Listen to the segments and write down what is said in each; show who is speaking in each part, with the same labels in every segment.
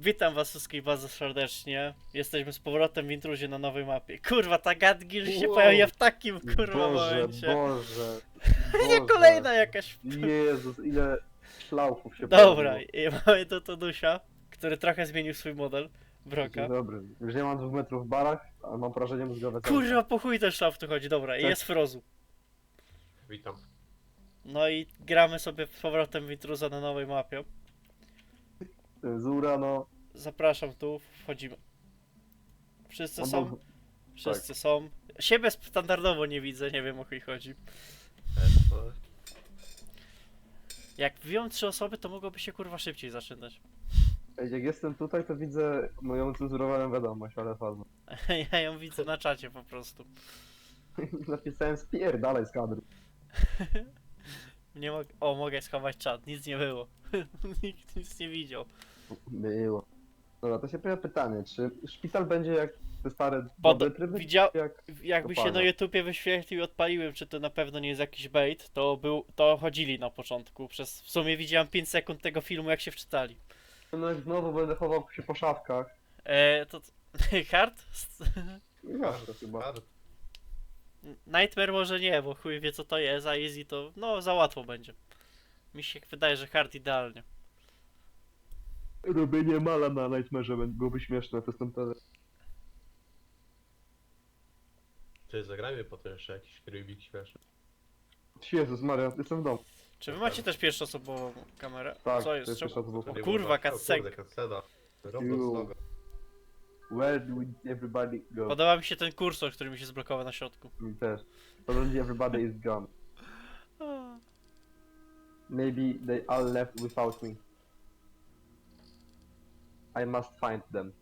Speaker 1: Witam was wszystkich bardzo serdecznie. Jesteśmy z powrotem w intruzie na nowej mapie. Kurwa, ta Gadgil się
Speaker 2: Wow.
Speaker 1: pojawia w takim kurwa
Speaker 2: Boże,
Speaker 1: momencie.
Speaker 2: Boże,
Speaker 1: Nie
Speaker 2: Boże.
Speaker 1: kolejna jakaś...
Speaker 2: Jezus, ile szlauchów się
Speaker 1: Dobra,
Speaker 2: pojawiło.
Speaker 1: i mamy tu Todusia, który trochę zmienił swój model. Broka.
Speaker 2: Dzień dobry. Już nie mam 2 metrów w barach, ale mam porażenie mózgowe.
Speaker 1: Kurwa, po chuj ten szlaf tu chodzi. Dobra, i
Speaker 2: Tak.
Speaker 1: jest Frozu.
Speaker 3: Witam.
Speaker 1: No i gramy sobie z powrotem w intruza na nowej mapie.
Speaker 2: Cenzura, no.
Speaker 1: Zapraszam tu, wchodzimy. Wszyscy
Speaker 2: No
Speaker 1: są?
Speaker 2: bo-
Speaker 1: Wszyscy są. Siebie standardowo nie widzę, nie wiem o chuj chodzi. Jak wbiją 3 osoby, to mogłoby się kurwa szybciej zaczynać.
Speaker 2: Ej, jak jestem tutaj, to widzę moją cenzurowaną wiadomość, ale fazno.
Speaker 1: Ja ją widzę na czacie po prostu.
Speaker 2: Napisałem spierdalaj z kadru.
Speaker 1: Nie mogę. O, mogę schować czat, nic nie było. Nikt nic nie widział.
Speaker 2: Było. Dobra, to się pojawia pytanie, czy szpital będzie jak te stare
Speaker 1: Pod...
Speaker 2: dobre tryby?
Speaker 1: Widział...
Speaker 2: Jak...
Speaker 1: Jakby się
Speaker 2: kopalnia.
Speaker 1: na YouTubie wyświetlił i odpaliłem, czy to na pewno nie jest jakiś bait, to chodzili na początku. W sumie widziałem 5 sekund tego filmu, jak się wczytali.
Speaker 2: No jak znowu będę chował się po szafkach.
Speaker 1: To... Hard?
Speaker 2: Ja to chyba.
Speaker 1: Nightmare może nie, bo chuj wie co to jest, a Easy to... no za łatwo będzie. Mi się wydaje, że hard idealnie.
Speaker 2: Robienie mala na Nightmare'ze byłoby śmieszne, to jestem pewien.
Speaker 3: Ty zagrajmy potem jeszcze jakiś rybik śmieszny.
Speaker 2: Jezus Maria, jestem w domu.
Speaker 1: Czy wy macie też pierwszoosobową kamerę?
Speaker 2: Tak,
Speaker 1: Co jest?
Speaker 2: to jest
Speaker 1: Czemu?
Speaker 2: pierwsza osobowa.
Speaker 3: To
Speaker 1: Kurwa,
Speaker 3: nie było-
Speaker 1: cutscenka.
Speaker 3: O kurde, cutscena. Roblox
Speaker 2: You.
Speaker 3: logo.
Speaker 2: Where do everybody go?
Speaker 1: Podoba mi się ten kursor, który mi się zblokował na środku.
Speaker 2: Mi też. Suddenly everybody is gone. Maybe they all left without me. I must find them.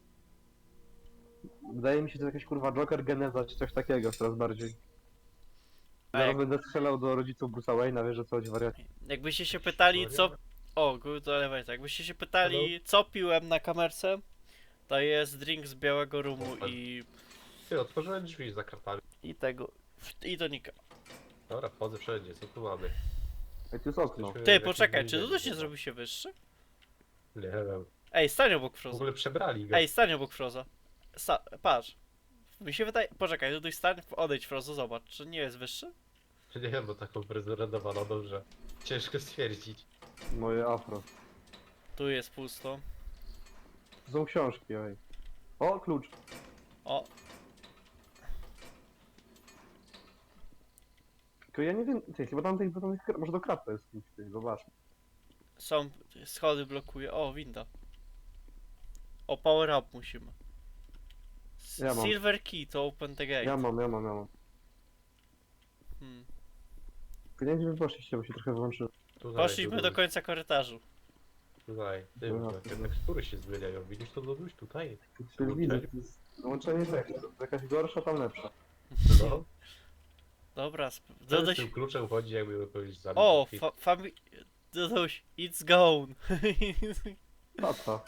Speaker 2: Wydaje mi się, że to jakaś kurwa Joker Geneza czy coś takiego coraz bardziej. Zaraz
Speaker 1: jak-
Speaker 2: będę strzelał do rodziców Bruce'a Wayne'a, wiesz, że co chodzi wariacie.
Speaker 1: Jakbyście się pytali co... O, good elevator. Jakbyście się pytali co piłem na kamerce, to jest drink z białego rumu
Speaker 3: Ty, otworzyłem drzwi za kartami.
Speaker 1: i tego... i tonika.
Speaker 3: Dobra, wchodzę wszędzie, co tu mamy?
Speaker 2: Ej, tu jest okno.
Speaker 3: Jesteśmy w
Speaker 1: Ty,
Speaker 3: jakimś
Speaker 1: poczekaj, czy
Speaker 3: więzieniu
Speaker 1: Duduś nie
Speaker 3: chyba.
Speaker 1: zrobił się wyższy?
Speaker 3: Nie wiem.
Speaker 1: Ej, stań obok
Speaker 3: W
Speaker 1: Froza.
Speaker 3: ogóle przebrali go.
Speaker 1: Ej, stań obok Froza. Patrz. Mi się wydaje... Poczekaj, Duduś stań, odejdź Frozo, zobacz, czy nie jest wyższy?
Speaker 3: Nie wiem, bo taką prezentowaną dobrze. Ciężko stwierdzić.
Speaker 2: Moje afro.
Speaker 1: Tu jest pusto.
Speaker 2: To są książki, ej. O, klucz.
Speaker 1: O,
Speaker 2: Tylko ja nie wiem, ty, chyba tam tych, może do kraty jest klucz, ty, zobacz.
Speaker 1: są schody blokuje. O, winda. O, power up musimy.
Speaker 2: Ja mam.
Speaker 1: Silver key to open the gate.
Speaker 2: Ja mam.
Speaker 1: Hmm.
Speaker 2: Tylko nie wiem, gdzie wy poszliście, bo się trochę wyłączyłem.
Speaker 3: Tutaj,
Speaker 1: Poszliśmy do końca korytarzu.
Speaker 3: Tutaj. Ty,
Speaker 2: Dobra,
Speaker 3: te
Speaker 2: dobra.
Speaker 3: tekstury się zmieniają. Widzisz to Doduś? Tutaj.
Speaker 2: Tu widzę, to jest łączenie tekstu. Jakaś gorsza, tam lepsza.
Speaker 3: No.
Speaker 1: Dobra,
Speaker 3: Co z
Speaker 1: Dodoś...
Speaker 3: tym kluczem chodzi, jakby powiedzieć za
Speaker 1: O, Dodoś, it's gone.
Speaker 2: Tata.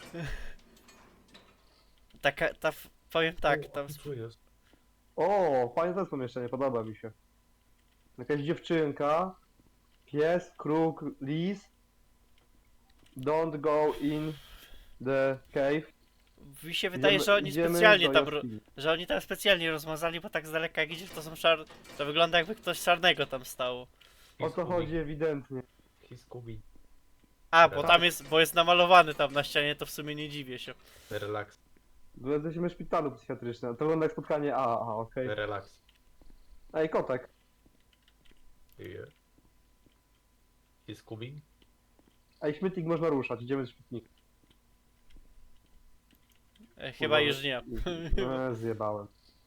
Speaker 1: Taka, powiem tak, tam...
Speaker 3: Co jest?
Speaker 2: O, fajne to jest pomieszczenie, podoba mi się. Jakaś dziewczynka, pies, kruk, lis. Don't go in the cave.
Speaker 1: Mi się wydaje, że oni
Speaker 2: Idziemy
Speaker 1: specjalnie
Speaker 2: do
Speaker 1: tam...
Speaker 2: jaskini.
Speaker 1: Że oni tam specjalnie rozmazali, bo tak z daleka jak idziesz, to są szar... To wygląda jakby ktoś czarnego tam stało.
Speaker 2: O co chodzi ewidentnie.
Speaker 3: He's Scooby.
Speaker 1: A, bo
Speaker 3: Tak.
Speaker 1: tam jest, bo jest namalowany tam na ścianie, to w sumie nie dziwię się.
Speaker 3: Relax.
Speaker 2: Bo jesteśmy w szpitalu psychiatrycznym. To wygląda jak spotkanie AA, okej.
Speaker 3: Relax.
Speaker 2: Ej, kotek.
Speaker 3: Yeah. He's Scooby.
Speaker 2: Ej, śmietnik można ruszać, idziemy do śmietnika.
Speaker 1: Chyba już nie.
Speaker 2: Zjebałem.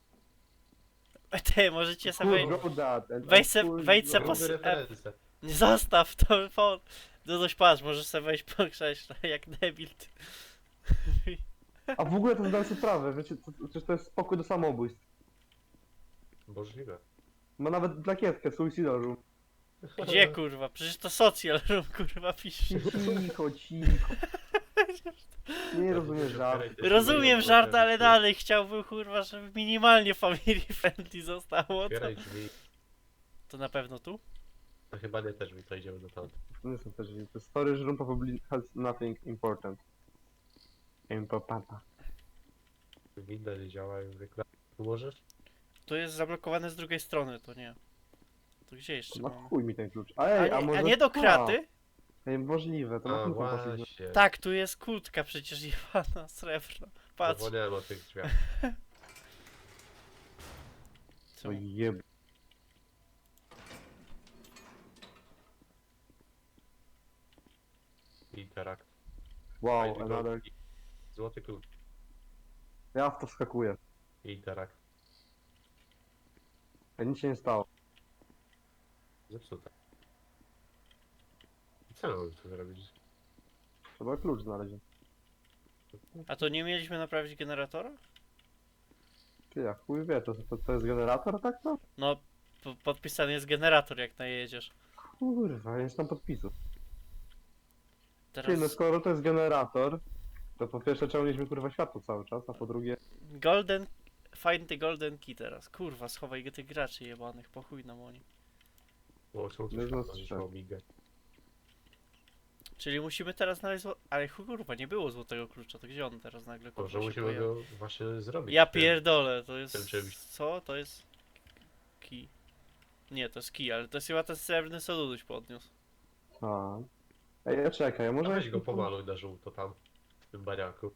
Speaker 1: Ty, możecie sobie...
Speaker 2: Cool, go that, and
Speaker 1: Wejdź
Speaker 2: I
Speaker 1: se-
Speaker 2: cool,
Speaker 1: wejdź se
Speaker 2: go-
Speaker 1: po-
Speaker 3: Różne referencje.
Speaker 1: Nie zostaw to, no dość patrz, możesz sobie wejść po krześle, jak debil. Ty.
Speaker 2: A w ogóle to zdałem sobie sprawę, wiecie, przecież to jest spokój do samobójstw.
Speaker 3: Możliwe.
Speaker 2: Ma nawet plakietkę, suicidal room.
Speaker 1: Gdzie kurwa? Przecież to social room kurwa pisze.
Speaker 2: Cicho. Nie rozumiesz żart.
Speaker 1: Rozumiem żart, ale dalej chciałbym kurwa, żeby minimalnie family friendly zostało to.
Speaker 3: Otwieraj drzwi.
Speaker 1: To na pewno tu?
Speaker 3: To chyba nie też mi to idziemy do tamtych.
Speaker 2: To nie są te drzwi, to jest storage room probably has nothing important. Impopata.
Speaker 3: Winda nie działa jak zwykle. Tu możesz?
Speaker 1: To jest zablokowane z drugiej strony, to nie. To gdzie jeszcze
Speaker 2: No
Speaker 1: mamy?
Speaker 2: chuj mi ten klucz.
Speaker 1: A
Speaker 2: Ej, a
Speaker 1: nie,
Speaker 2: może...
Speaker 1: a nie do kraty?
Speaker 2: Ej, możliwe, to na
Speaker 3: A
Speaker 2: tym poszliśmy.
Speaker 3: właśnie.
Speaker 1: Tak, tu jest kłódka przecież jebana, srebrna. Patrz.
Speaker 3: Zapomniałem o tych drzwiach.
Speaker 2: O jeb...
Speaker 3: Interakt.
Speaker 2: Wow,
Speaker 3: Fajny
Speaker 2: another...
Speaker 3: gold. Złoty klucz.
Speaker 2: Ja w to wskakuję.
Speaker 3: Interakt.
Speaker 2: Ej, nic się nie stało.
Speaker 3: Zepsute. Co mamy tu zrobić?
Speaker 2: Trzeba klucz znaleźć.
Speaker 1: A to nie mieliśmy naprawić generatora?
Speaker 2: Ty, ja chuj wie, to jest generator, tak to?
Speaker 1: No, podpisany jest generator jak najedziesz.
Speaker 2: Kurwa, jest tam podpisu. Ty, no
Speaker 1: Teraz
Speaker 2: skoro to jest generator, to po pierwsze czemu mieliśmy kurwa światło cały czas, a po drugie...
Speaker 1: golden... Find the golden key teraz. Kurwa, schowaj go tych graczy jebanych, po chuj nam oni.
Speaker 3: Bo są tu
Speaker 2: No,
Speaker 3: światła,
Speaker 2: no,
Speaker 3: niż
Speaker 2: tak.
Speaker 3: migać.
Speaker 1: Czyli musimy teraz znaleźć Ale kurwa, nie było złotego klucza, to gdzie on teraz nagle kurwa
Speaker 3: Może
Speaker 1: się
Speaker 3: musimy
Speaker 1: pojawił?
Speaker 3: go właśnie zrobić.
Speaker 1: Ja
Speaker 3: w tym-
Speaker 1: pierdolę, to jest...
Speaker 3: tym czymś.
Speaker 1: Co? To jest... Key. Nie, to jest key, ale to jest chyba ten srebrny Soluduś podniósł.
Speaker 2: A. Ej, czekaj,
Speaker 3: A
Speaker 2: może...
Speaker 3: weź go pomaluj na żółto tam. W tym baniaku.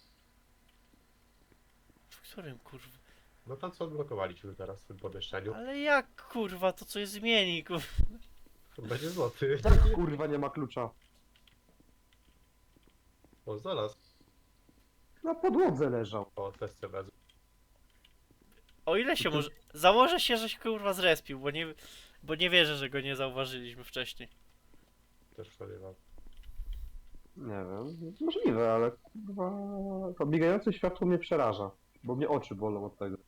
Speaker 1: W którym kurwa?
Speaker 3: No tam co odblokowaliśmy teraz w tym pomieszczeniu.
Speaker 1: Ale jak kurwa, to coś zmieni kurwa?
Speaker 3: Będzie złoty.
Speaker 2: Tak, kurwa, nie ma klucza.
Speaker 3: O, znalazł.
Speaker 2: Na podłodze leżał.
Speaker 3: O, testy wezmę.
Speaker 1: O ile się może... Założę się, że się kurwa zrespił, bo nie wierzę, że go nie zauważyliśmy wcześniej.
Speaker 3: Też w to nie mam.
Speaker 2: Nie wiem, możliwe, ale kurwa... To migające światło mnie przeraża, bo mnie oczy bolą od tego.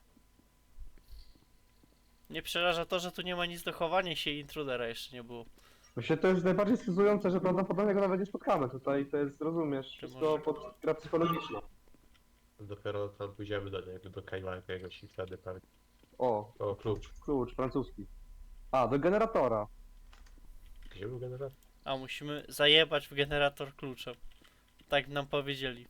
Speaker 1: Nie przeraża to, że tu nie ma nic do chowania się i intrudera jeszcze nie było.
Speaker 2: Właśnie to jest najbardziej stresujące, że prawdopodobnie go nawet nie spotkamy tutaj, to jest, rozumiesz, wszystko
Speaker 1: może-
Speaker 2: pod gra psychologiczna.
Speaker 3: Dopiero tam pójdziemy do niego, do Kajma jakiegoś i wtedy pewnie.
Speaker 2: O,
Speaker 3: O, klucz.
Speaker 2: klucz francuski. A, do generatora.
Speaker 3: Gdzie był generator?
Speaker 1: A musimy zajebać w generator kluczem. Tak nam powiedzieli.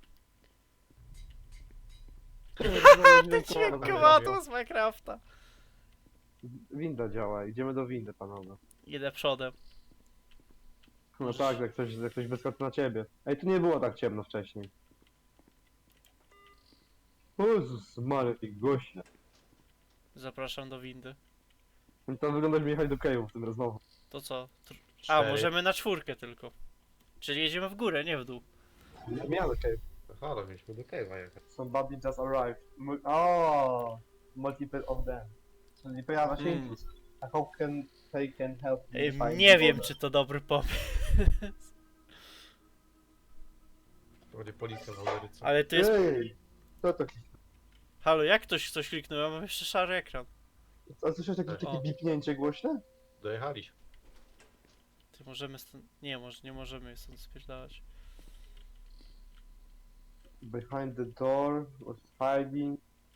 Speaker 1: Ten dźwięk
Speaker 3: Dobra,
Speaker 1: kowadła z Minecrafta.
Speaker 2: Winda działa, idziemy do windy, panowie.
Speaker 1: Idę przodem.
Speaker 2: No tak, jak ktoś wyskoczy na ciebie. Ej, tu nie było tak ciemno wcześniej. O Jezus Maria, ty goście.
Speaker 1: Zapraszam do windy.
Speaker 2: To wygląda, jakby jechać do Cave'u w tym rozmowie.
Speaker 1: To co? A,
Speaker 3: Cztery.
Speaker 1: możemy na 4 tylko. Czyli jedziemy w górę, nie w dół.
Speaker 2: Ja do Cave.
Speaker 3: Aha, no mieliśmy do Kajma jechać.
Speaker 2: Somebody just arrived. O, multiple of them. Czyli pojawia się
Speaker 1: Mm.
Speaker 2: intruz. A how can they can help me
Speaker 1: Ej,
Speaker 2: find
Speaker 1: nie
Speaker 2: the
Speaker 1: wiem,
Speaker 2: border?
Speaker 1: czy to dobry pomysł.
Speaker 3: To będzie policja w Ameryce.
Speaker 1: Ale to jest...
Speaker 2: Ej, co to?
Speaker 1: Halo, jak ktoś coś kliknął? Ja mam jeszcze szary ekran.
Speaker 2: A słyszałeś takie
Speaker 1: O.
Speaker 2: bipnięcie głośne?
Speaker 3: Dojechaliśmy.
Speaker 1: Ty możemy stąd... Nie, nie możemy stąd spierdalać.
Speaker 2: Behind the door was hiding.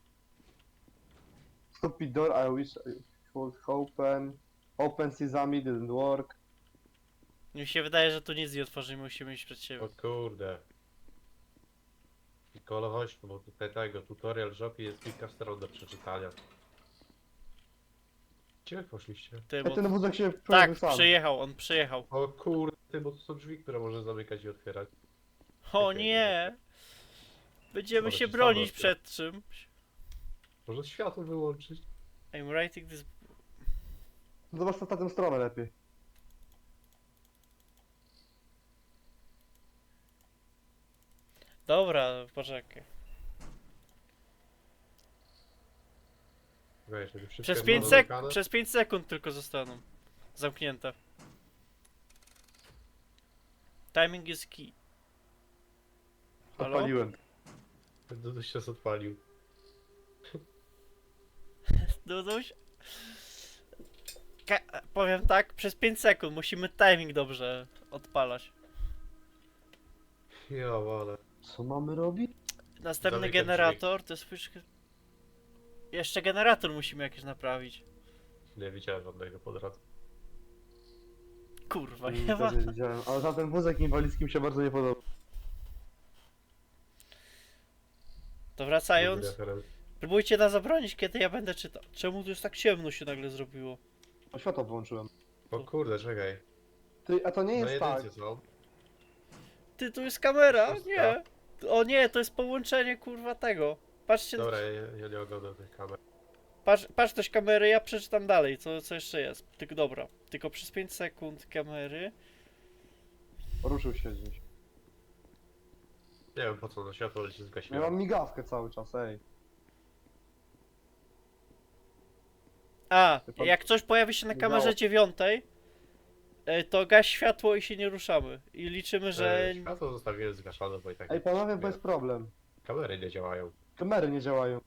Speaker 2: Stupid door, I wish I would open. Open sesame didn't work.
Speaker 1: Mi się wydaje, że tu nic nie otworzymy, musimy iść przed siebie.
Speaker 3: O kurde. Pikolo, chodź tu, bo tutaj tego, tutorial żopi jest kilka stron do przeczytania. Gdzie wy poszliście?
Speaker 1: Ty,
Speaker 2: Ej,
Speaker 1: bo...
Speaker 2: ten wózek się
Speaker 1: Tak,
Speaker 2: pojawił sam.
Speaker 1: przyjechał, on przyjechał.
Speaker 3: O kurde, ty, bo tu są drzwi, które można zamykać i otwierać.
Speaker 1: O nie! Będziemy
Speaker 3: Ale
Speaker 1: się
Speaker 3: się
Speaker 1: bronić
Speaker 3: samo
Speaker 1: przed czymś.
Speaker 3: Można światło wyłączyć.
Speaker 1: I'm writing this...
Speaker 2: Zobacz na tę stronę lepiej.
Speaker 1: Dobra, poczekaj.
Speaker 3: Weź, żeby wszystko
Speaker 1: Przez
Speaker 3: jest
Speaker 1: 5
Speaker 3: zamykane.
Speaker 1: przez 5 sekund tylko zostaną. Zamknięte. Timing is key. Halo?
Speaker 2: Odpaliłem.
Speaker 3: Duduś się odpalił.
Speaker 1: Duduś? Powiem tak, przez 5 sekund musimy timing dobrze odpalać.
Speaker 3: Ja ale.
Speaker 2: Co mamy robić?
Speaker 1: Następny
Speaker 3: Zamykać
Speaker 1: generator to jest... Jeszcze generator musimy jakiś naprawić.
Speaker 3: Nie widziałem żadnego po drodze.
Speaker 1: Kurwa,
Speaker 2: Mm,
Speaker 1: nie ma.
Speaker 2: też nie widziałem. Ale za ten wózek inwalidzki mi się bardzo nie podoba.
Speaker 1: To wracając,
Speaker 3: Referenc.
Speaker 1: próbujcie nas zabronić, kiedy ja będę czytał. Czemu tu jest tak ciemno się nagle zrobiło?
Speaker 2: O, światło wyłączyłem.
Speaker 3: O kurde, czekaj.
Speaker 2: Ty, a to nie
Speaker 3: Na
Speaker 2: jest tak.
Speaker 3: jedynce są.
Speaker 1: Ty, tu jest kamera,
Speaker 3: Szóstka.
Speaker 1: nie. O nie, to jest połączenie kurwa tego. Patrzcie,
Speaker 3: Dobra, ja nie oglądam tych kamer.
Speaker 1: patrz też kamery, ja przeczytam dalej, co jeszcze jest. Tylko dobra, tylko przez 5 sekund kamery.
Speaker 2: Ruszył się gdzieś.
Speaker 3: Nie wiem po co, no światło leci
Speaker 2: Ja
Speaker 3: zgasiłem.
Speaker 2: mam migawkę cały czas, ej.
Speaker 1: A,
Speaker 2: Ty pan-
Speaker 1: jak coś pojawi się na kamerze 9, to gaś światło i się nie ruszamy. I liczymy, że...
Speaker 3: Światło zostawiłem zgaszone, bo i tak
Speaker 2: Ej, panowie, bo jest problem.
Speaker 3: kamery nie działają.
Speaker 2: Kamery nie działają.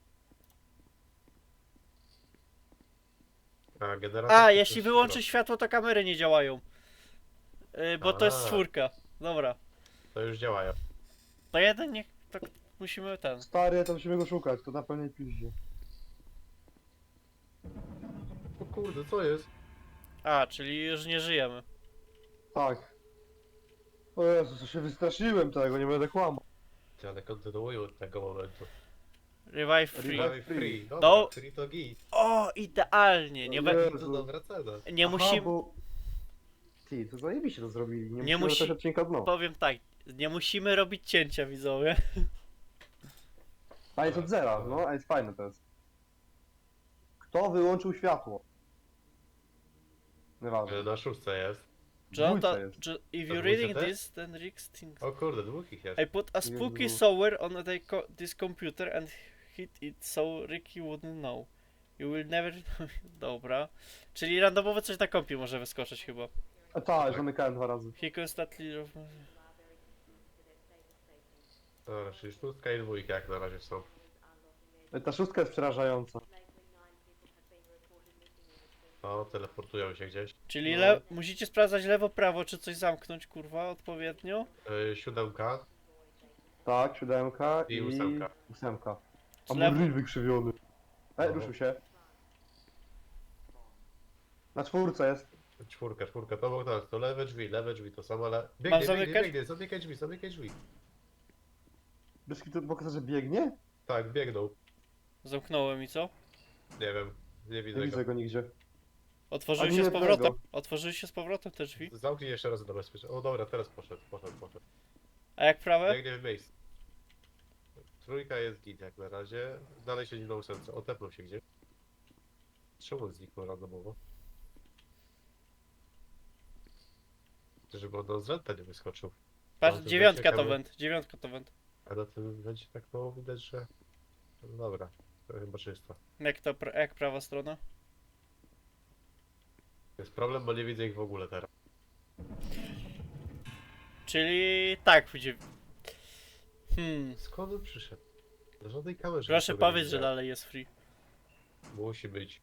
Speaker 3: A, generator...
Speaker 1: A,
Speaker 3: to
Speaker 1: jeśli
Speaker 3: też
Speaker 1: wyłączyć światło, to kamery nie działają. Bo to jest
Speaker 3: A.
Speaker 1: czwórka. Dobra.
Speaker 3: To już działają.
Speaker 1: To jeden niech... To musimy ten...
Speaker 2: Stary, to musimy go szukać, to na pewno piździe.
Speaker 3: O kurde, co jest?
Speaker 1: A, czyli już nie żyjemy.
Speaker 2: Tak. O Jezu, co się wystraszyłem tego, nie będę kłamał.
Speaker 3: Ale kontynuuję od tego momentu.
Speaker 1: Revive free.
Speaker 2: Revive.
Speaker 3: Free. Dobra,
Speaker 1: No.
Speaker 3: free to git.
Speaker 1: O, idealnie. Nie,
Speaker 2: Jezu.
Speaker 3: To dobra cena.
Speaker 1: nie
Speaker 2: Aha,
Speaker 1: musimy...
Speaker 2: bo... Ty, to zajebiście to zrobili. Nie,
Speaker 1: Nie
Speaker 2: musimy
Speaker 1: musi-
Speaker 2: musi... odcinka dno.
Speaker 1: Powiem tak, nie musimy robić cięcia, widzowie.
Speaker 2: A jest od zera, no, a jest fajne to jest. Kto wyłączył światło? Nieważne.
Speaker 3: Na szóstce jest.
Speaker 1: John,
Speaker 2: Dwójce jest.
Speaker 1: if
Speaker 3: To
Speaker 1: you're
Speaker 3: dwójce
Speaker 1: reading
Speaker 3: też?
Speaker 1: this, then Rick thinks...
Speaker 3: O kurde, dwóch ich jest.
Speaker 1: I put a spooky
Speaker 2: Jezu.
Speaker 1: software on this computer and hit it so Ricky wouldn't know. You will never... Dobra. Czyli randomowo coś na kompie może wyskoczyć chyba.
Speaker 2: A tak, zamykałem 2 razy.
Speaker 1: He constantly...
Speaker 3: Dobra, czyli szóstka i dwójka jak na razie są.
Speaker 2: Ta szóstka jest przerażająca.
Speaker 3: O, teleportują się gdzieś.
Speaker 1: Czyli
Speaker 2: No.
Speaker 1: musicie sprawdzać lewo, prawo, czy coś zamknąć, kurwa, odpowiednio.
Speaker 3: Siódemka.
Speaker 2: Tak, 7
Speaker 3: I ósemka.
Speaker 2: 8.
Speaker 1: Z
Speaker 2: A
Speaker 1: lewo-
Speaker 2: mój ryj wykrzywiony. Ej,
Speaker 3: No.
Speaker 2: ruszył się. Na czwórce jest.
Speaker 3: Czwórka, to było tak, to lewe drzwi, to samo, ale...
Speaker 1: Mam
Speaker 3: Biegnie,
Speaker 1: zamykać?
Speaker 3: biegnie, zamykaj drzwi.
Speaker 2: Wiesz, to pokazać, że biegnie?
Speaker 3: Tak, biegną.
Speaker 1: Zamknąłem i co?
Speaker 3: Nie wiem, nie widzę
Speaker 2: Nie
Speaker 3: go.
Speaker 2: widzę go nigdzie.
Speaker 1: Otworzyły
Speaker 2: Ani
Speaker 1: się z
Speaker 2: jednego.
Speaker 1: powrotem. Otworzyły się z powrotem te drzwi.
Speaker 3: Zamknij jeszcze raz na bezpieczeństwo. O dobra, teraz poszedł.
Speaker 1: A jak prawe?
Speaker 3: Biegnie w miejsce. Trójka jest git jak na razie. Dalej siedzi na ósemce. Otepnął się gdzieś. Czemu zniknął randomowo? Żeby on nam z renta nie wyskoczył.
Speaker 1: Patrz,
Speaker 3: to
Speaker 1: dziewiątka to
Speaker 3: ciekawe.
Speaker 1: węd, dziewiątka to węd.
Speaker 3: A na tym będzie tak mało widać, że... No dobra, to chyba czysto.
Speaker 1: Jak prawa strona?
Speaker 3: Jest problem, bo nie widzę ich w ogóle teraz.
Speaker 1: Czyli tak, będzie...
Speaker 3: Skąd on przyszedł? Do żadnej kamerze.
Speaker 1: Proszę
Speaker 3: nikogo nie
Speaker 1: powiedz, że
Speaker 3: widziałem.
Speaker 1: dalej jest free.
Speaker 3: Musi być.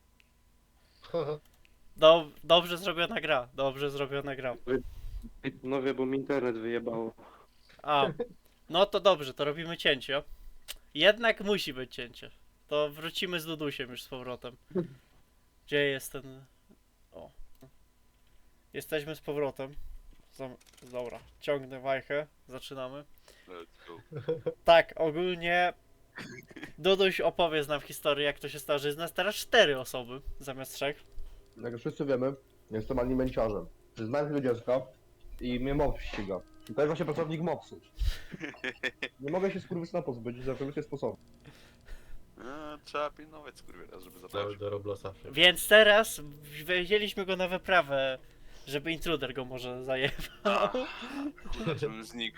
Speaker 1: Dobrze zrobiona gra, dobrze zrobiona gra.
Speaker 2: No wie, bo mi internet wyjebało.
Speaker 1: A, no to dobrze, to robimy cięcie. Jednak musi być cięcie. To wrócimy z Dudusiem już z powrotem. Gdzie jest ten... O. Jesteśmy z powrotem. Dobra, ciągnę wajchę, zaczynamy.
Speaker 4: Let's go.
Speaker 1: Tak, ogólnie Duduś opowie nam historię, jak to się stało, że jest nas teraz 4 osoby zamiast 3.
Speaker 2: Jak już wszyscy wiemy, jestem alimenciarzem. Znałem tego dziecka i mnie mops ściga. I to jest właśnie pracownik mopsu. Nie mogę się skurwysyna pozbyć za wszelkie sposoby.
Speaker 4: Trzeba pilnować skurwiela, żeby
Speaker 3: Nawet
Speaker 4: zabrać.
Speaker 3: do Roblosa.
Speaker 1: Więc teraz wzięliśmy go na wyprawę, żeby intruder go może zajebał.
Speaker 4: Żebym znikł.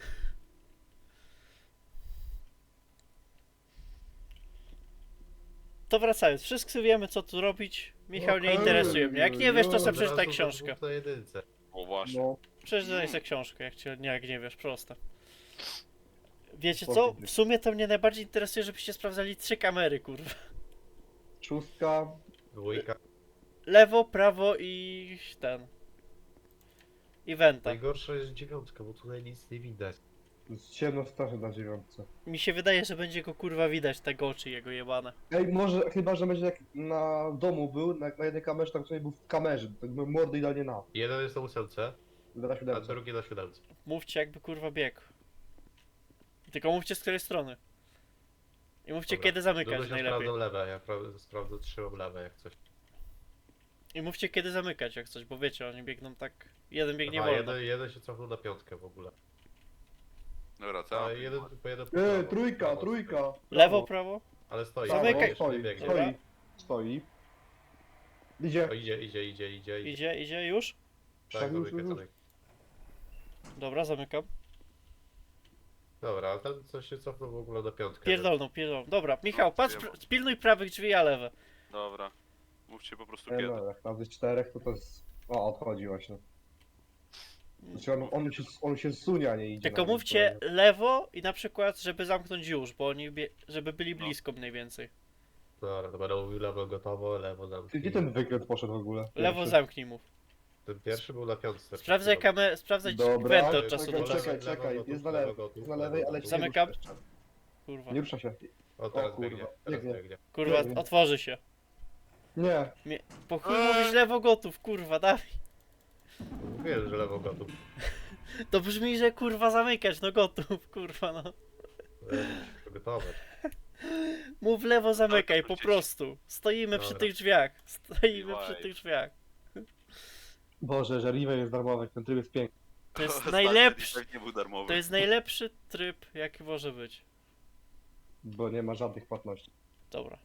Speaker 1: To wracając, wszyscy wiemy co tu robić. Michał nie
Speaker 2: Okej.
Speaker 1: interesuje mnie. Jak nie wiesz, to
Speaker 2: No,
Speaker 1: sobie
Speaker 3: Od
Speaker 1: przeczytaj
Speaker 3: razu
Speaker 1: książkę.
Speaker 3: dwóch na jedynce.
Speaker 4: O właśnie.
Speaker 2: No,
Speaker 1: Przeczytaj sobie książkę, jak nie wiesz, proste. Wiecie co?
Speaker 2: Spoko.
Speaker 1: W sumie to mnie najbardziej interesuje, żebyście sprawdzali 3 kamery, kurwa.
Speaker 2: szóstka.
Speaker 3: Dwójka.
Speaker 1: Lewo, prawo i ten. I wenta.
Speaker 3: Najgorsza jest dziewiątka, bo tutaj nic nie widać.
Speaker 2: Jest ciemno strasznie na dziewiątce.
Speaker 1: Mi się wydaje, że będzie go kurwa widać, te oczy jego jebane.
Speaker 2: Ej, może, chyba, że będzie jak na domu był, na jednej kamerze, tam który był w kamerze, tak by mordy idealnie na.
Speaker 3: Jeden jest na ósemce,
Speaker 2: Na
Speaker 3: a
Speaker 2: siódemce.
Speaker 3: drugi na siódemce.
Speaker 1: Mówcie jakby kurwa biegł. Tylko mówcie z której strony. I mówcie
Speaker 3: Dobra.
Speaker 1: kiedy zamykać
Speaker 3: Duduś, ja
Speaker 1: najlepiej.
Speaker 3: sprawdzam lewe, ja sprawdzę, trzymam lewe jak coś.
Speaker 1: I mówcie kiedy zamykać jak coś, bo wiecie, oni biegną tak... Jeden biegnie
Speaker 3: Aha,
Speaker 1: wolno.
Speaker 3: jeden się cofnął na piątkę w ogóle.
Speaker 4: Dobra, co?
Speaker 3: A jeden po jeden po prawo,
Speaker 2: Trójka,
Speaker 3: prawo,
Speaker 2: trójka.
Speaker 1: Lewo, prawo?
Speaker 3: Ale stoi.
Speaker 1: Zamykaj.
Speaker 3: jeszcze nie biegnie.
Speaker 1: Dobra.
Speaker 2: Stoi. Idzie.
Speaker 3: O, idzie.
Speaker 1: Idzie już?
Speaker 3: Tak,
Speaker 2: już.
Speaker 3: zamykaj.
Speaker 1: Dobra, zamykam.
Speaker 3: Dobra, a ten coś się cofnął w ogóle na piątkę.
Speaker 1: Pierdolną. Dobra, Michał, patrz, spilnuj prawych drzwi, a lewe.
Speaker 4: Dobra. Mówcie po prostu
Speaker 2: Nie
Speaker 4: kiedy.
Speaker 2: no, jak razy 4 to jest... O, odchodzi właśnie. Znaczy on się zsunie, a nie idzie.
Speaker 1: Tylko
Speaker 2: na
Speaker 1: mówcie lewo i na przykład, żeby zamknąć już, bo oni żeby byli
Speaker 4: No.
Speaker 1: blisko mniej więcej.
Speaker 3: Dobra, to będę mówił lewo gotowo, lewo zamknij.
Speaker 2: Gdzie ten wykręt poszedł w ogóle?
Speaker 1: Lewo
Speaker 2: Pierwszy.
Speaker 1: zamknij mów.
Speaker 3: Ten pierwszy był na piątce.
Speaker 1: Sprawdzaj kamerę, sprawdzaj
Speaker 2: Dobra,
Speaker 1: wentę od czasu do
Speaker 3: czekaj,
Speaker 1: czasu.
Speaker 2: Czekaj, jest na
Speaker 3: lewo
Speaker 2: lewej.
Speaker 3: gotów,
Speaker 2: Jest na lewej, ale się nie
Speaker 1: Zamykam.
Speaker 2: rusza jeszcze.
Speaker 1: Kurwa.
Speaker 2: Nie rusza się.
Speaker 3: O, teraz
Speaker 2: O, kurwa,
Speaker 3: biegnie, teraz
Speaker 2: biegnie.
Speaker 3: biegnie.
Speaker 1: Kurwa,
Speaker 2: biegnie.
Speaker 1: otworzy się.
Speaker 2: Nie.
Speaker 1: Po chuj mówisz lewo gotów, kurwa, dawaj.
Speaker 3: Wiem, że lewo gotów.
Speaker 1: To brzmi, że kurwa zamykać, no gotów, kurwa no.
Speaker 3: Muszę się przygotować.
Speaker 1: Mów lewo zamykaj, po
Speaker 4: wrócić.
Speaker 1: prostu. Stoimy przy
Speaker 3: Dobra.
Speaker 1: tych drzwiach. Stoimy
Speaker 4: Miłaj.
Speaker 1: przy tych drzwiach.
Speaker 2: Boże, że Riven jest darmowy, ten tryb jest piękny.
Speaker 1: To jest
Speaker 4: Ostatni
Speaker 1: najlepszy,
Speaker 4: efekt nie był darmowy.
Speaker 1: to jest najlepszy tryb, jaki może być.
Speaker 2: Bo nie ma żadnych płatności.
Speaker 1: Dobra.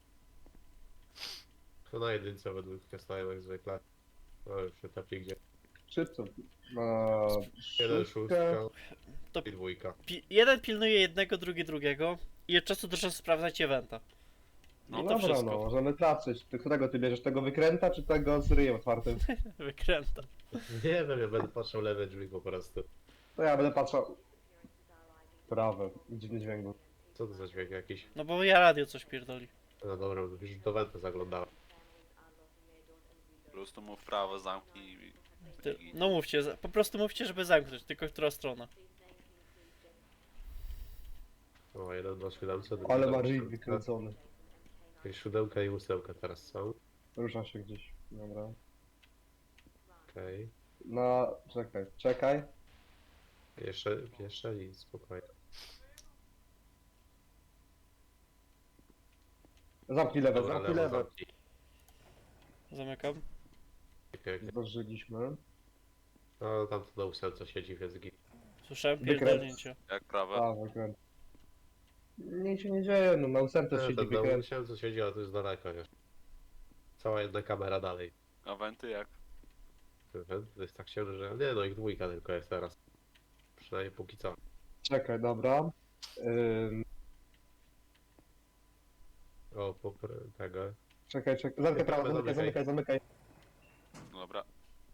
Speaker 3: To na jedynce według stoją jak zwykle. No już się trafi gdzie.
Speaker 2: Szybko.
Speaker 3: Jeden,
Speaker 2: Szóstka.
Speaker 3: szóstka i dwójka.
Speaker 1: Jeden pilnuje jednego, drugi drugiego. I od czasu do czasu sprawdzajcie wenta.
Speaker 2: No
Speaker 1: I to
Speaker 2: dobra,
Speaker 1: wszystko.
Speaker 2: no, możemy patrzeć. Którego ty bierzesz? Tego wykręta, czy tego z ryjem otwartym?
Speaker 1: Wykręta.
Speaker 3: Nie wiem, ja będę patrzał lewe drzwi po prostu.
Speaker 2: To ja będę patrzał. Prawe. Dziwny dźwięk był.
Speaker 3: Co to za dźwięk jakiś?
Speaker 1: No bo ja radio coś pierdoli.
Speaker 3: No dobra, już do Wenta zaglądałem.
Speaker 4: Po prostu mów w prawo, zamknij i...
Speaker 1: No mówcie, po prostu mówcie, żeby zamknąć, tylko która strona.
Speaker 3: O, jeden na siódemce, drugi
Speaker 2: Ale
Speaker 3: na
Speaker 2: ma ryj
Speaker 3: ósemce.
Speaker 2: wykręcony.
Speaker 3: I siódemka i ósemka teraz są.
Speaker 2: Rusza się gdzieś. Dobra.
Speaker 3: Okej.
Speaker 2: Czekaj.
Speaker 3: Jeszcze nic, spokojnie.
Speaker 2: Zamknij lewe,
Speaker 3: Dobra,
Speaker 2: zamknij
Speaker 3: lewo
Speaker 2: lewe.
Speaker 3: zamknij.
Speaker 1: Zamykam.
Speaker 3: Pięknie.
Speaker 2: Zdążyliśmy.
Speaker 3: No tam to na ósemce siedzi, więc git.
Speaker 1: Słyszałem
Speaker 2: Wykręt.
Speaker 1: pierdolnięcie.
Speaker 4: Jak prawe?
Speaker 2: A, wykręt. Nic się nie dzieje, no na ósemce siedzi
Speaker 3: Ten na
Speaker 2: wykręt.
Speaker 3: ósemce siedzi, ale to jest daleko, nie? Cała jedna kamera dalej.
Speaker 4: A wenty jak?
Speaker 3: To jest tak ciemno, że... Nie no, ich dwójka tylko jest teraz. Przynajmniej póki co.
Speaker 2: Czekaj, dobra.
Speaker 3: O, tego.
Speaker 2: Czekaj. Zamykaj prawo,
Speaker 3: Zamykaj.
Speaker 2: zamykaj.
Speaker 4: Dobra.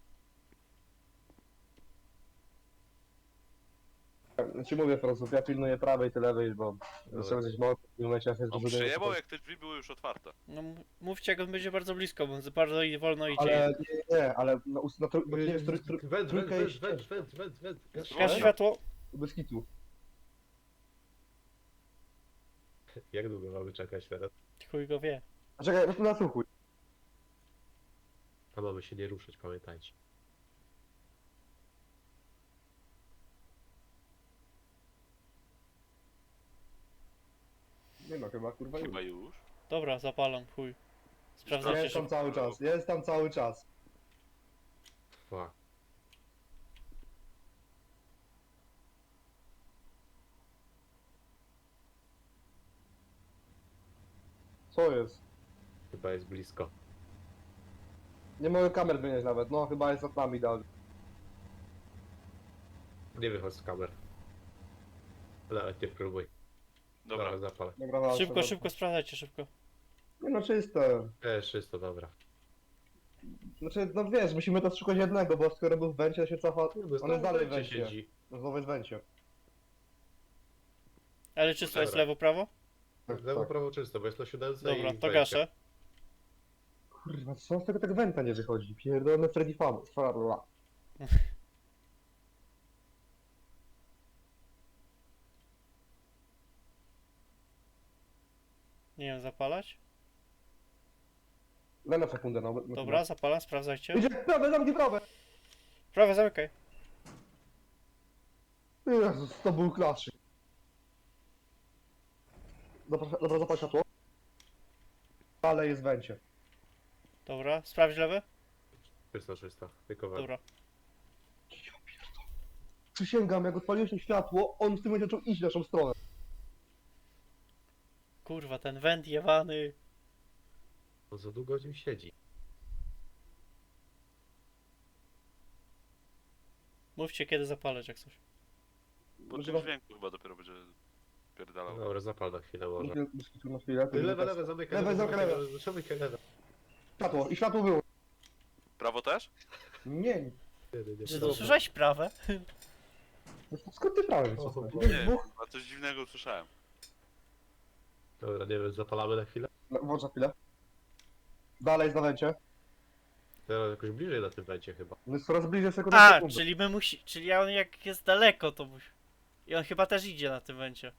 Speaker 2: Ja ci mówię po prostu, ja pilnuję prawej, ty lewej, bo zacząłem coś mocno w tym momencie, ja sobie
Speaker 4: On
Speaker 2: zbuduję
Speaker 4: przyjebał
Speaker 2: coś.
Speaker 4: jak te drzwi były już otwarte.
Speaker 1: No mówcie, jak on będzie bardzo blisko, bo on bardzo wolno idzie.
Speaker 2: Ale nie, ale bo nie jest trójka jest
Speaker 3: Went.
Speaker 1: Gaś światło.
Speaker 2: bez kitu.
Speaker 3: Jak długo mamy czekać teraz?
Speaker 1: Chuj go wie.
Speaker 2: A czekaj, nasłuchuj.
Speaker 3: A mamy się nie ruszać, pamiętajcie.
Speaker 2: Nie no, chyba kurwa już.
Speaker 4: Chyba już.
Speaker 1: Dobra, zapalam, chuj. Sprawdzajcie
Speaker 2: Jest tam
Speaker 1: szybko.
Speaker 2: cały czas, jest tam cały czas.
Speaker 3: Fuck.
Speaker 2: Co jest?
Speaker 3: Chyba jest blisko.
Speaker 2: Nie mogę kamer wynieść nawet, no chyba jest nad nami dalej.
Speaker 3: Nie wychodź z kamer. Nawet nie próbuj.
Speaker 4: Dobra.
Speaker 3: Zapal.
Speaker 2: Dobra, walczę,
Speaker 1: Szybko,
Speaker 2: dobra.
Speaker 1: szybko, sprawdzajcie szybko.
Speaker 2: Nie no, czyste.
Speaker 3: Czysto, dobra.
Speaker 2: Znaczy, no wiesz, musimy to szukać jednego, bo skoro był w węcie, to się cofa. On jest dalej w węcie.
Speaker 3: siedzi.
Speaker 2: No znowu jest w węcie.
Speaker 1: Ale czysto jest
Speaker 3: Dobra.
Speaker 1: lewo, prawo?
Speaker 3: Lewo, prawo czysto, bo jest na siódemce
Speaker 1: Dobra,
Speaker 3: i
Speaker 1: to
Speaker 3: wejście.
Speaker 1: gaszę.
Speaker 2: Kurwa, co z tego tak węta nie wychodzi? Pierdolony Freddy Fabula.
Speaker 1: Nie wiem, zapalać?
Speaker 2: Daj na sekundę, no.
Speaker 1: Dobra, zapalam, sprawdzajcie.
Speaker 2: Idzie, prawe, zamknij prawe!
Speaker 1: Prawo, zamykaj.
Speaker 2: Jezus, to był klaszy. Dobra, zapal światło. Ale jest w wencie.
Speaker 1: Dobra, sprawdź lewy.
Speaker 3: 300, tylko we.
Speaker 1: Dobra.
Speaker 2: Przysięgam, jak odpaliłeś mi światło, on w tym momencie zaczął iść w naszą stronę.
Speaker 1: Kurwa, ten węd jewany.
Speaker 3: On za długo w nim siedzi.
Speaker 1: Mówcie kiedy zapalać jak coś.
Speaker 4: Po
Speaker 2: Może
Speaker 4: tym
Speaker 2: was-
Speaker 4: dźwięku chyba dopiero będzie pierdalał.
Speaker 3: Dobra, zapal na chwilę może.
Speaker 2: Na chwilę.
Speaker 3: Lewe, zamykaj.
Speaker 2: Lewe, zamykaj lewe.
Speaker 3: Zamykaj lewe.
Speaker 2: Światło, i światło było.
Speaker 4: Prawo też?
Speaker 2: Nie,
Speaker 1: Czy to słyszałeś prawę?
Speaker 2: skąd ty prawie
Speaker 3: O,
Speaker 2: jesteś?
Speaker 3: nie.
Speaker 4: Nie wiem, a coś dziwnego usłyszałem.
Speaker 3: Dobra, nie wiem, zapalamy na chwilę?
Speaker 2: Włącz na chwilę. Dalej jest na wencie.
Speaker 3: Teraz jakoś bliżej na tym wejdzie chyba.
Speaker 2: No jest coraz bliżej sekundy na
Speaker 1: A,
Speaker 2: sekundę.
Speaker 1: czyli my musi... Czyli on jak jest daleko to musi... I on chyba też idzie na tym węcie.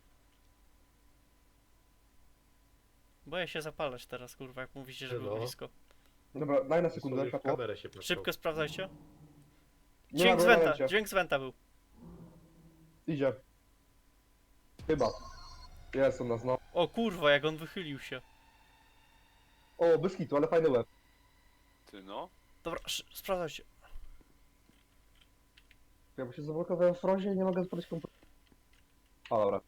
Speaker 1: Boję się zapalać teraz, kurwa, jak mówicie, że był
Speaker 3: No.
Speaker 1: blisko.
Speaker 2: Dobra, daj na
Speaker 3: Sobie
Speaker 2: sekundę
Speaker 3: w
Speaker 2: światło.
Speaker 3: kamerę się patrzą.
Speaker 1: Szybko sprawdzajcie.
Speaker 2: Nie
Speaker 1: Dźwięk
Speaker 2: ma
Speaker 1: z
Speaker 2: go na
Speaker 1: wenta,
Speaker 2: wencie.
Speaker 1: dźwięk z wenta był.
Speaker 2: Idzie. Chyba. Jest u nas, no.
Speaker 1: O kurwa, jak on wychylił się.
Speaker 2: O, bez hitu, ale fajny łeb.
Speaker 4: Ty no.
Speaker 1: Dobra, sprawdzajcie.
Speaker 2: Ja bo się zablokowałem w frozie i nie mogę spalić komputera. A, dobra.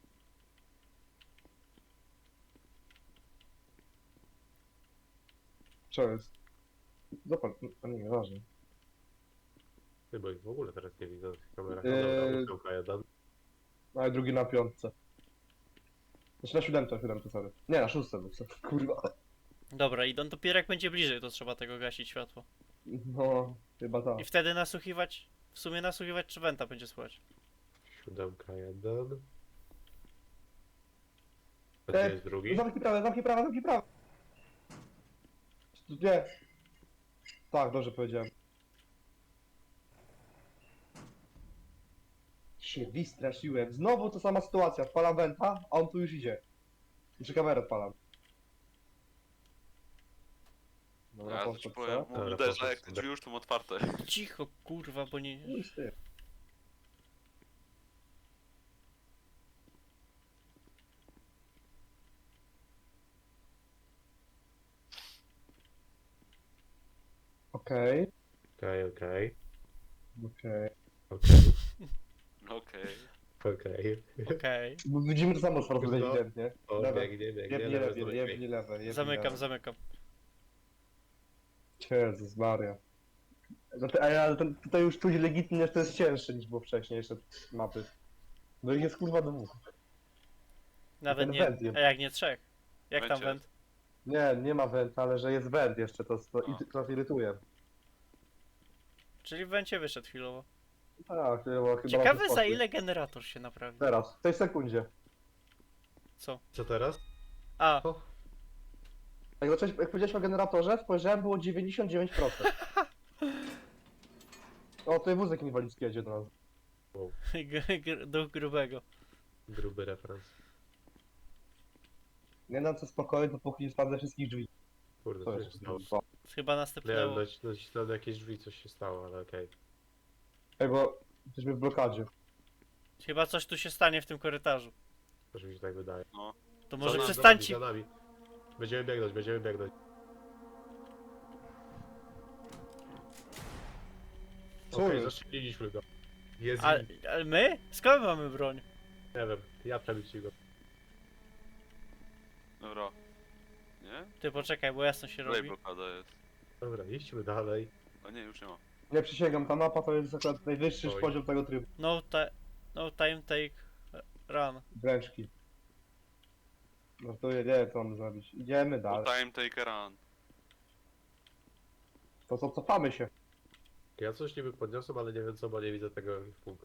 Speaker 2: Co jest? Zapal, a nie, ważne.
Speaker 3: Ty, bo ich w ogóle teraz nie widzę na tych kamerach.
Speaker 2: Eee.
Speaker 3: No dobra, jeden.
Speaker 2: No i drugi na piątce. Znaczy na siódemce, sorry. Nie, na szóstce był, sorry. Kurwa.
Speaker 1: Dobra, i on dopiero jak będzie bliżej, to trzeba tego gasić światło.
Speaker 2: No, chyba tak.
Speaker 1: I wtedy nasłuchiwać, w sumie nasłuchiwać, czy wenta będzie słychać.
Speaker 3: 7, jeden. A gdzie jest drugi?
Speaker 2: Zamknij prawe, zamknij prawe, zamknij prawe. Nie. Tak, dobrze powiedziałem. Się wystraszyłem. Znowu ta sama sytuacja. Odpalam wenta, a on tu już idzie. Jeszcze kamerę odpalam. Dobra,
Speaker 4: Ja to
Speaker 2: poszedł,
Speaker 4: ci powiem,
Speaker 2: co?
Speaker 3: Dobra,
Speaker 4: uderza
Speaker 3: poszedł
Speaker 4: jak te
Speaker 3: sobie.
Speaker 4: drzwi już są otwarte.
Speaker 1: Cicho, kurwa, bo nie...
Speaker 2: No i ty. Okej,
Speaker 3: Okej, okej.
Speaker 2: okej.
Speaker 3: Okej,
Speaker 4: Okej.
Speaker 3: okej.
Speaker 1: Okej.
Speaker 2: Bo widzimy to samo z
Speaker 3: No.
Speaker 2: ewidentnie.
Speaker 3: O,
Speaker 2: Lewe.
Speaker 3: biegnie,
Speaker 2: Jebnie
Speaker 3: lewe,
Speaker 2: lewe,
Speaker 3: znowu
Speaker 2: jebnie
Speaker 3: biegnie.
Speaker 2: lewe, jebnie
Speaker 1: Zamykam,
Speaker 2: lewe.
Speaker 1: zamykam.
Speaker 2: Jezus Maria. Ale tutaj już czuć legitnie, że to jest cięższe niż było wcześniej jeszcze mapy. No i jest kurwa dwóch.
Speaker 1: Nawet
Speaker 2: Ten
Speaker 1: nie...
Speaker 2: węd jest.
Speaker 1: A jak nie trzech? Jak tam
Speaker 4: Węcie.
Speaker 1: węd?
Speaker 2: Nie ma węta, ale że jest węd jeszcze, to
Speaker 4: A.
Speaker 2: nas irytuje.
Speaker 1: Czyli w węcie wyszedł chwilowo.
Speaker 2: Tak, chyba
Speaker 1: Ciekawe
Speaker 2: na
Speaker 1: za
Speaker 2: spokój.
Speaker 1: ile generator się naprawi.
Speaker 2: Teraz, w tej sekundzie.
Speaker 1: Co?
Speaker 3: Co teraz?
Speaker 1: A,
Speaker 3: O,
Speaker 2: Jak powiedziałeś o generatorze, spojrzałem, było 99%. O, tutaj wózek inwalidzki jedzie do nas.
Speaker 1: duch grubego.
Speaker 3: gruby referenc.
Speaker 2: Nie dam co spokoju, dopóki nie sprawdzę wszystkich drzwi.
Speaker 3: Kurde,
Speaker 2: To
Speaker 3: co
Speaker 2: jest
Speaker 3: się stało?
Speaker 1: Chyba
Speaker 3: Miałem
Speaker 1: następnęło.
Speaker 3: nacisnąć na jakieś drzwi, coś się stało, ale okej.
Speaker 2: Ej, bo jesteśmy w blokadzie.
Speaker 1: Chyba coś tu się stanie w tym korytarzu.
Speaker 3: Może mi się tak wydaje.
Speaker 4: No.
Speaker 1: To może
Speaker 3: Za
Speaker 1: przestańcie...
Speaker 3: nami. Będziemy biegnąć, będziemy biegnąć.
Speaker 2: Co
Speaker 3: Okej,
Speaker 2: jest?
Speaker 3: zastrzeliliśmy go. Jest
Speaker 1: Ale my? Skąd mamy broń?
Speaker 3: Nie wiem, ja przebić go.
Speaker 4: Dobra. Nie?
Speaker 1: Ty poczekaj, bo jasno się
Speaker 4: Dalej
Speaker 1: robi.
Speaker 4: blokada jest.
Speaker 3: Dobra, idźmy dalej.
Speaker 4: A nie, już nie ma.
Speaker 2: Nie przysięgam, ta mapa to jest akurat najwyższy
Speaker 3: Oj.
Speaker 2: poziom tego trybu.
Speaker 1: No time take run.
Speaker 2: Wręczki. No to nie wiem co mamy zrobić. Idziemy
Speaker 4: No
Speaker 2: dalej.
Speaker 4: time taker run.
Speaker 2: To co, cofamy się.
Speaker 3: Ja coś niby podniosłem, ale nie wiem co, bo nie widzę tego w punkt.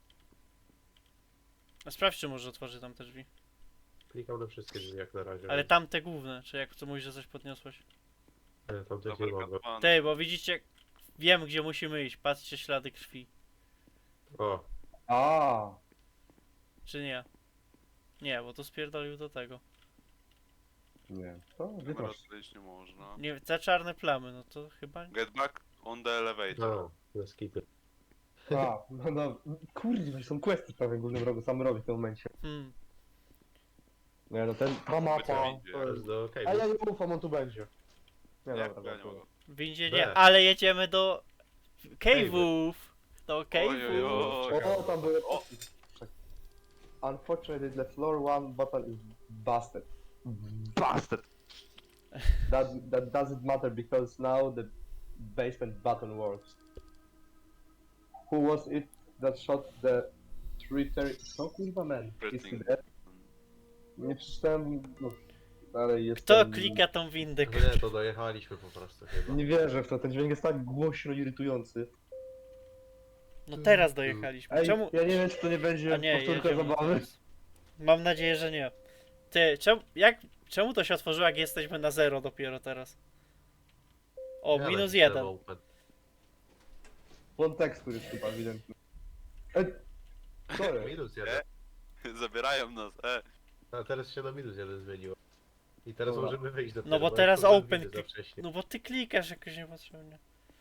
Speaker 1: A sprawdź, czy może otworzy tam te drzwi.
Speaker 3: Klikam na wszystkie drzwi jak na razie.
Speaker 1: Ale tamte główne, czy jak co mówisz, że coś podniosłeś.
Speaker 3: Ale tam też nie mogę.
Speaker 4: Zabarykadowany.
Speaker 1: Ty, bo widzicie, wiem gdzie musimy iść, patrzcie ślady krwi.
Speaker 3: O,
Speaker 2: A,
Speaker 1: Czy nie? Nie, bo to spierdolił do tego.
Speaker 2: nie. To
Speaker 4: Kamera
Speaker 2: wyprosz.
Speaker 4: tutaj iść nie można.
Speaker 1: Nie, te czarne plamy, no to chyba...
Speaker 4: Get back on the elevator.
Speaker 3: no, na skipy.
Speaker 2: A, no. Kurde, są questy w prawym górnym rogu, sam robi w tym momencie. Nie no, ta mapa...
Speaker 4: Wyciągnij.
Speaker 2: to
Speaker 3: To
Speaker 2: jest-
Speaker 3: jest do
Speaker 2: A
Speaker 3: Cave'a.
Speaker 2: ja nie ufam, on tu będzie. Nie,
Speaker 4: Nie,
Speaker 2: dobra,
Speaker 4: ja nie
Speaker 2: dobra.
Speaker 4: mogę.
Speaker 1: W windzie
Speaker 3: B.
Speaker 1: nie, ale jedziemy do cave'ów. Do
Speaker 4: Oj,
Speaker 1: cave'ów.
Speaker 4: oj,
Speaker 2: O, tam były...
Speaker 4: O.
Speaker 2: Unfortunately, the floor 1 button is busted. Busted! That doesn't matter because now the basement button works. Who was it that shot the traitor? Co kurwa man? Is he
Speaker 4: Pretty.
Speaker 2: dead? Nie przeczytałem... No, ale jest...
Speaker 1: Kto klika tą windę?
Speaker 3: No nie, to dojechaliśmy po prostu chyba.
Speaker 2: Nie wierzę w to, ten dźwięk jest tak głośno irytujący.
Speaker 1: No teraz dojechaliśmy.
Speaker 2: Ej,
Speaker 1: Czemu?
Speaker 2: ja nie wiem, czy to nie
Speaker 1: A
Speaker 2: będzie
Speaker 1: nie,
Speaker 2: powtórka
Speaker 1: jedziemy
Speaker 2: zabawy.
Speaker 1: teraz. Mam nadzieję, że nie. Ty, czemu to się otworzyło, jak jesteśmy na 0 dopiero teraz? O,
Speaker 3: Nie,
Speaker 1: minus
Speaker 3: ale
Speaker 1: 1.
Speaker 3: open.
Speaker 2: Błąd tekstur jest chyba ewidentny. Ej, sorry.
Speaker 3: Minus jeden.
Speaker 4: Zabierają nas,
Speaker 3: A teraz się na minus jeden zmieniło. I teraz
Speaker 2: Dobra.
Speaker 3: możemy wyjść do
Speaker 1: No bo teraz open
Speaker 3: za wcześnie.
Speaker 1: No bo ty klikasz jakoś niepotrzebnie.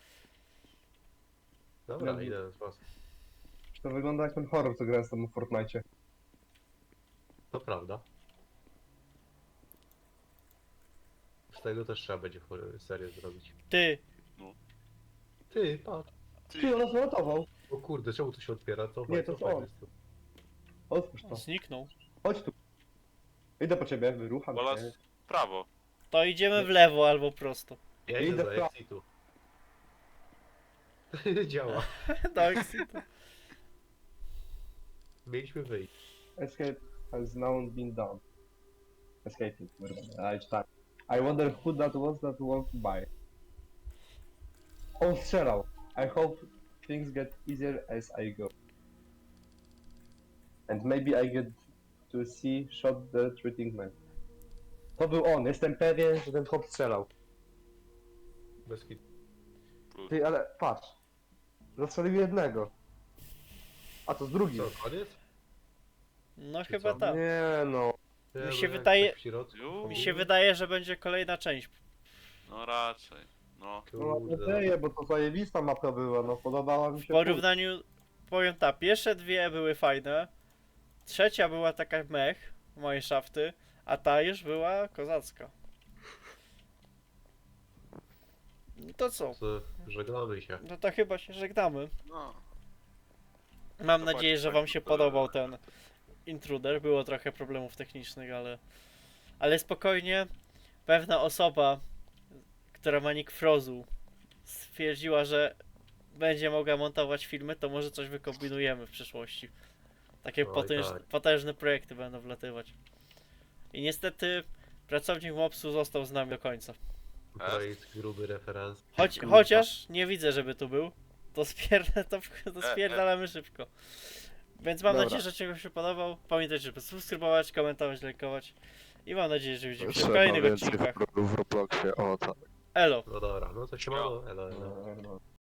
Speaker 3: Dobra,
Speaker 2: Ja-
Speaker 3: idę na sposób.
Speaker 2: To wygląda jak ten horror, co grałem z tobą w Fortnite.
Speaker 3: To prawda. Z tego też trzeba będzie serię zrobić.
Speaker 1: Ty,
Speaker 3: Ty, patrz.
Speaker 2: Ty, on nas uratował.
Speaker 3: O kurde, czemu to się otwiera? To
Speaker 2: Nie, to jest on. Otwórz to.
Speaker 1: zniknął.
Speaker 2: Chodź tu. Idę po ciebie, wyrucham
Speaker 4: Wola
Speaker 2: cię.
Speaker 4: prawo.
Speaker 1: To idziemy w lewo albo prosto.
Speaker 3: Ja
Speaker 2: Idę
Speaker 3: idę
Speaker 2: w
Speaker 3: za
Speaker 2: prawo.
Speaker 3: exitu. Działa.
Speaker 1: Tak,
Speaker 3: Mieliśmy wyjść.
Speaker 2: Escape has now been done. Escaping, tak. I wonder who that was that walked by. On strzelał. I hope things get easier as I go. And maybe I get to see shot the treating man. To był on, jestem pewien, że ten chłop strzelał.
Speaker 3: Bez kit.
Speaker 2: Ty, ale patrz. Zastrzelił jednego. A to z drugim.
Speaker 3: Co, koniec?
Speaker 1: No
Speaker 3: Czy
Speaker 1: chyba
Speaker 3: co?
Speaker 1: tak.
Speaker 2: Nie no.
Speaker 3: Nie,
Speaker 1: Mi
Speaker 3: bo
Speaker 1: się
Speaker 3: jak
Speaker 1: wydaje-
Speaker 3: tak w środku,
Speaker 4: Ju.
Speaker 1: Mi się wydaje, że będzie kolejna część.
Speaker 4: No raczej. No.
Speaker 2: No mam
Speaker 3: Kurde.
Speaker 2: nadzieję, bo to zajebista mapa była, no podobała mi
Speaker 1: W
Speaker 2: się.
Speaker 1: porównaniu, powiem tak, pierwsze dwie były fajne. Trzecia była taka mech, mineshafty, a ta już była kozacka. No to co?
Speaker 3: To żegnamy się.
Speaker 1: No to chyba się żegnamy.
Speaker 4: No.
Speaker 1: Mam
Speaker 4: Zobaczcie,
Speaker 1: nadzieję, że
Speaker 4: tak
Speaker 1: wam się
Speaker 4: to-
Speaker 1: podobał ten intruder. Było trochę problemów technicznych, ale spokojnie. Pewna osoba, która ma nick Frozu, stwierdziła, że będzie mogła montować filmy, to może coś wykombinujemy w przyszłości. Takie
Speaker 3: Oj, tak.
Speaker 1: potężne projekty będą wlatywać. I niestety pracownik Mopsu został z nami do końca.
Speaker 3: To jest gruby referenc.
Speaker 1: Chociaż nie widzę, żeby tu był. To spierdalamy szybko. Więc mam
Speaker 2: Dobra.
Speaker 1: nadzieję, że czegoś się podobał. Pamiętajcie, żeby subskrybować, komentować, lajkować. I mam nadzieję, że widzimy się w
Speaker 5: Trzeba
Speaker 1: kolejnych
Speaker 5: więcej
Speaker 1: odcinkach.
Speaker 5: w Robloxie, o tak.
Speaker 1: Elo!
Speaker 3: No dobra, no to się mało. Elo, elo.
Speaker 2: No.